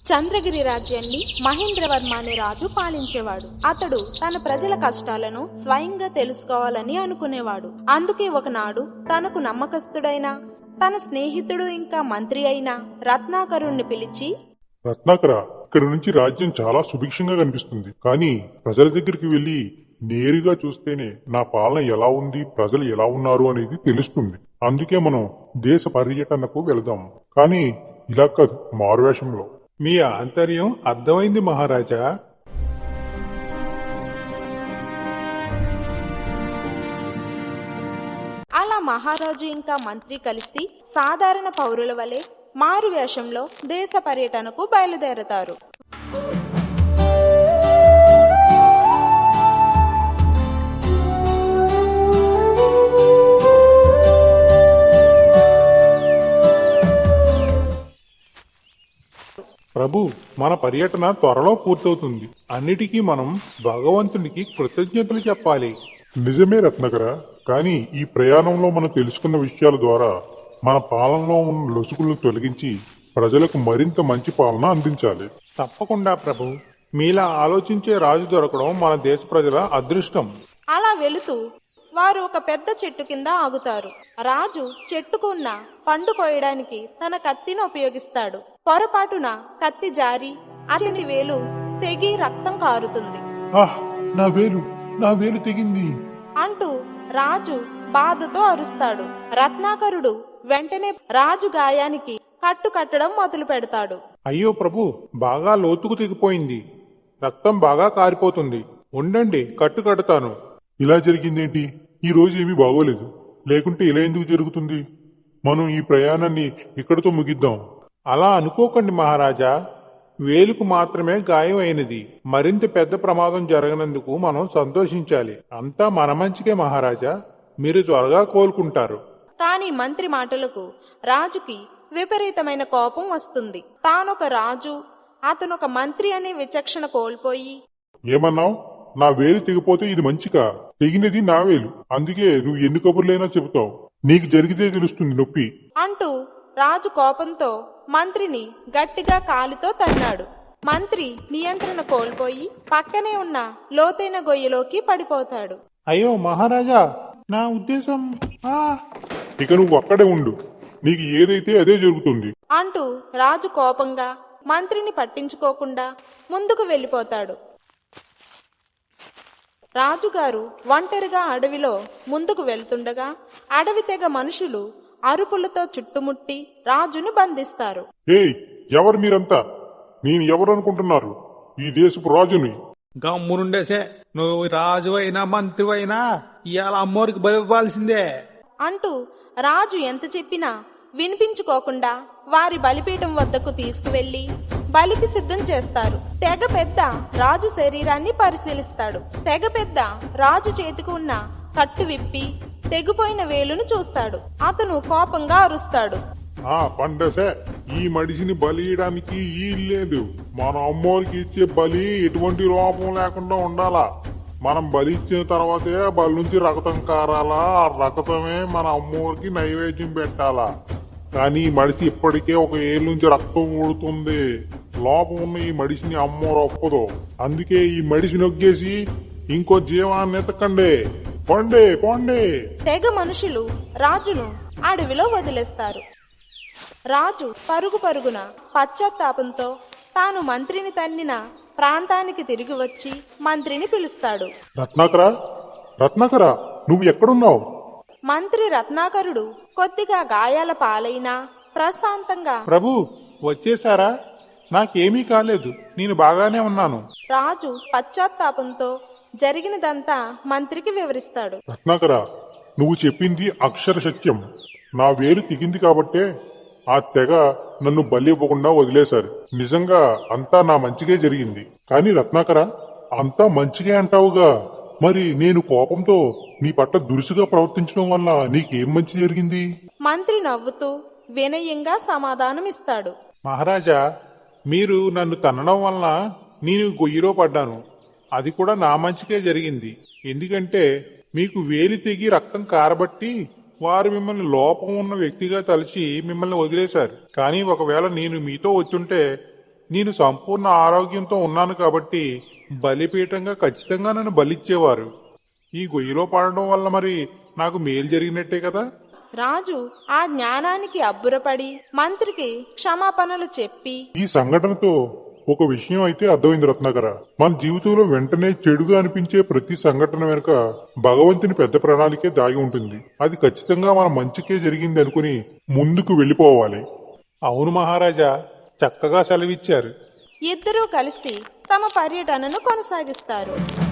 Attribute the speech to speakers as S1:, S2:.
S1: చంద్రగిరి రాజ్యాన్ని మహేంద్రవర్మ అనే రాజు పాలించేవాడు. అతడు తన ప్రజల కష్టాలను స్వయంగా తెలుసుకోవాలని అనుకునేవాడు. అందుకే ఒకనాడు తనకు నమ్మకస్తుడైన తన స్నేహితుడు ఇంకా మంత్రి అయిన రత్నాకరుణ్ణి పిలిచి,
S2: రత్నాకర, ఇక్కడ నుంచి రాజ్యం చాలా సుభిక్షంగా కనిపిస్తుంది. కానీ ప్రజల దగ్గరికి వెళ్లి నేరుగా చూస్తేనే నా పాలన ఎలా ఉంది, ప్రజలు ఎలా ఉన్నారు అనేది తెలుస్తుంది. అందుకే మనం దేశ పర్యటనకు వెళదాం. కానీ ఇలా కాదు, మారువేషంలో.
S3: మీ ఆంతర్యం అర్థమైంది మహారాజా.
S1: అలా మహారాజు ఇంకా మంత్రి కలిసి సాధారణ పౌరుల వలె మారు వేషంలో దేశ పర్యటనకు బయలుదేరతారు.
S3: ప్రభు, మన పర్యటన త్వరలో పూర్తవుతుంది. అన్నిటికీ మనం భగవంతునికి కృతజ్ఞతలు చెప్పాలి.
S2: నిజమే రత్నాకర, కానీ ఈ ప్రయాణంలో మనం తెలుసుకున్న విషయాల ద్వారా మన పాలనలో ఉన్న లొసుగులను తొలగించి ప్రజలకు మరింత మంచి పాలన అందించాలి.
S3: తప్పకుండా ప్రభు. మీలా ఆలోచించే రాజు దొరకడం మన దేశ ప్రజల అదృష్టం.
S1: అలా వెళుతూ వారు ఒక పెద్ద చెట్టు కింద ఆగుతారు. రాజు చెట్టుకు ఉన్న పండు కోయడానికి తన కత్తిని ఉపయోగిస్తాడు. పొరపాటున కత్తి జారి అతని వేలు తెగి రక్తం కారుతుంది.
S2: నా వేలు తెగింది
S1: అంటూ రాజు బాధతో అరుస్తాడు. రత్నాకరుడు వెంటనే రాజు గాయానికి కట్టు కట్టడం మొదలు పెడతాడు.
S3: అయ్యో ప్రభు, బాగా లోతుకు తెగిపోయింది. రక్తం బాగా కారిపోతుంది. ఉండండి, కట్టు కడతాను.
S2: ఇలా జరిగిందేంటి? ఈ రోజు ఏమీ బాగోలేదు. లేకుంటే ఇలా ఎందుకు జరుగుతుంది? మనం ఈ ప్రయాణాన్ని ఇక్కడితో ముగిద్దాం.
S3: అలా అనుకోకండి మహారాజా. వేలుకు మాత్రమే గాయం అయినది. మరింత పెద్ద ప్రమాదం జరగనందుకు మనం సంతోషించాలి. అంతా మన మంచికే మహారాజా. మీరు త్వరగా కోలుకుంటారు.
S1: కాని మంత్రి మాటలకు రాజుకి విపరీతమైన కోపం వస్తుంది. తానొక రాజు, అతనొక మంత్రి అనే విచక్షణ కోల్పోయి,
S2: ఏమన్నావు? నా వేలు తెగిపోతే ఇది మంచిగా? తెగినది నా వేలు. అందుకే నువ్వు ఎన్ని కబుర్లైనా చెబుతావు. నీకు జరిగితే తెలుస్తుంది నొప్పి
S1: అంటూ రాజు కోపంతో మంత్రిని గట్టిగా కాలితో తన్నాడు. మంత్రి నియంత్రణ కోల్పోయి పక్కనే ఉన్న లోతైన గొయ్యిలోకి పడిపోతాడు.
S3: అయ్యో మహారాజా, నా ఉద్దేశం.
S2: ఇక నువ్వు అక్కడే ఉండు. నీకు ఏదైతే అదే జరుగుతుంది
S1: అంటూ రాజు కోపంగా మంత్రిని పట్టించుకోకుండా ముందుకు వెళ్లిపోతాడు. రాజుగారు ఒంటరిగా అడవిలో ముందుకు వెళ్తుండగా అడవి తెగ మనుషులు అరుపులతో చుట్టుముట్టి రాజును బంధిస్తారు.
S2: ఏయ్, ఎవరు మీరంతా? నేను ఎవరు అనుకుంటున్నారు? ఈ దేశపు రాజుని.
S4: గమ్మునుండేసే, నువ్వు రాజు అయినా మంత్రి అయినా ఇవాళ అమ్మోరికి బలి ఇవ్వాల్సిందే
S1: అంటూ రాజు ఎంత చెప్పినా వినిపించుకోకుండా వారి బలిపీఠం వద్దకు తీసుకువెళ్లి బలికి సిద్ధం చేస్తారు. తెగ పెద్ద రాజు శరీరాన్ని పరిశీలిస్తాడు. తెగ పెద్ద రాజు చేతికి ఉన్న కట్టు విప్పి తెగిపోయిన వేలును చూస్తాడు. అతను కోపంగా అరుస్తాడు.
S2: పండసే, ఈ మడిసిని బలి ఇయడానికి ఈ లేదు. మన అమ్మోరికి ఇచ్చే బలి ఎటువంటి లోపం లేకుండా ఉండాలా. మనం బలి ఇచ్చిన తర్వాతే బలి నుంచి రక్తం కారాలా. ఆ రక్తమే మన అమ్మోరికి నైవేద్యం పెట్టాలా. కానీ ఈ మడిసి ఇప్పటికే ఒక ఏళ్ళ నుంచి రక్తం ఊడుతుంది. లోపం ఉన్న ఈ మడిసిని అమ్మోరు ఒప్పదు. అందుకే ఈ మడిసి నొగ్గేసి ఇంకో జీవాన్ని ఎతకండి. పొండే పొండే.
S1: తెగ మనుషులు రాజును అడవిలో వదిలేస్తారు. రాజు పరుగు పరుగున పశ్చాత్తాపంతో తాను మంత్రిని తన్నిన ప్రాంతానికి తిరిగి వచ్చి మంత్రిని పిలుస్తాడు.
S2: రత్నాకర, నువ్వు ఎక్కడున్నావు?
S1: మంత్రి రత్నాకరుడు కొద్దిగా గాయాల పాలైనా ప్రశాంతంగా,
S3: ప్రభు వచ్చేసారా? నాకేమీ కాలేదు, నేను బాగానే ఉన్నాను.
S1: రాజు పశ్చాత్తాపంతో జరిగినదంతా మంత్రికి వివరిస్తాడు.
S2: రత్నాకర, నువ్వు చెప్పింది అక్షర సత్యం. నా వేలు తెగింది కాబట్టే ఆ తెగ నన్ను బలి ఇవ్వకుండా వదిలేశారు. నిజంగా అంతా నా మంచిగే జరిగింది. కానీ రత్నాకర, అంతా మంచిగే అంటావుగా, మరి నేను కోపంతో నీ పట్ల దురుసుగా ప్రవర్తించడం వల్ల నీకేం మంచి జరిగింది?
S1: మంత్రి నవ్వుతూ వినయంగా సమాధానమిస్తాడు.
S3: మహారాజా, మీరు నన్ను తన్నడం వలన నేను గొయ్యిలో పడ్డాను. అది కూడా నా మంచికే జరిగింది. ఎందుకంటే మీకు వేలి తెగి రక్తం కారబట్టి వారు మిమ్మల్ని లోపం ఉన్న వ్యక్తిగా తలచి మిమ్మల్ని వదిలేశారు. కానీ ఒకవేళ నేను మీతో వచ్చుంటే నేను సంపూర్ణ ఆరోగ్యంతో ఉన్నాను కాబట్టి బలిపీఠంగా ఖచ్చితంగా నన్ను బలిచ్చేవారు. ఈ గొయ్యిలో పడడం వల్ల మరి నాకు మేలు జరిగినట్టే కదా.
S1: రాజు ఆ జ్ఞానానికి అబ్బురపడి మంత్రికి క్షమాపణలు చెప్పి
S2: ఈ సంఘటనతో ఒక విషయం అయితే అర్థమైంది రత్నాకర. మన జీవితంలో వెంటనే చెడుగా అనిపించే ప్రతి సంఘటన వెనుక భగవంతుని పెద్ద ప్రణాళికే దాగి ఉంటుంది. అది ఖచ్చితంగా మన మంచికే జరిగింది అనుకుని ముందుకు వెళ్ళిపోవాలి.
S3: అవును మహారాజా, చక్కగా సెలవిచ్చారు.
S1: ఇద్దరూ కలిసి తమ పర్యటనను కొనసాగిస్తారు.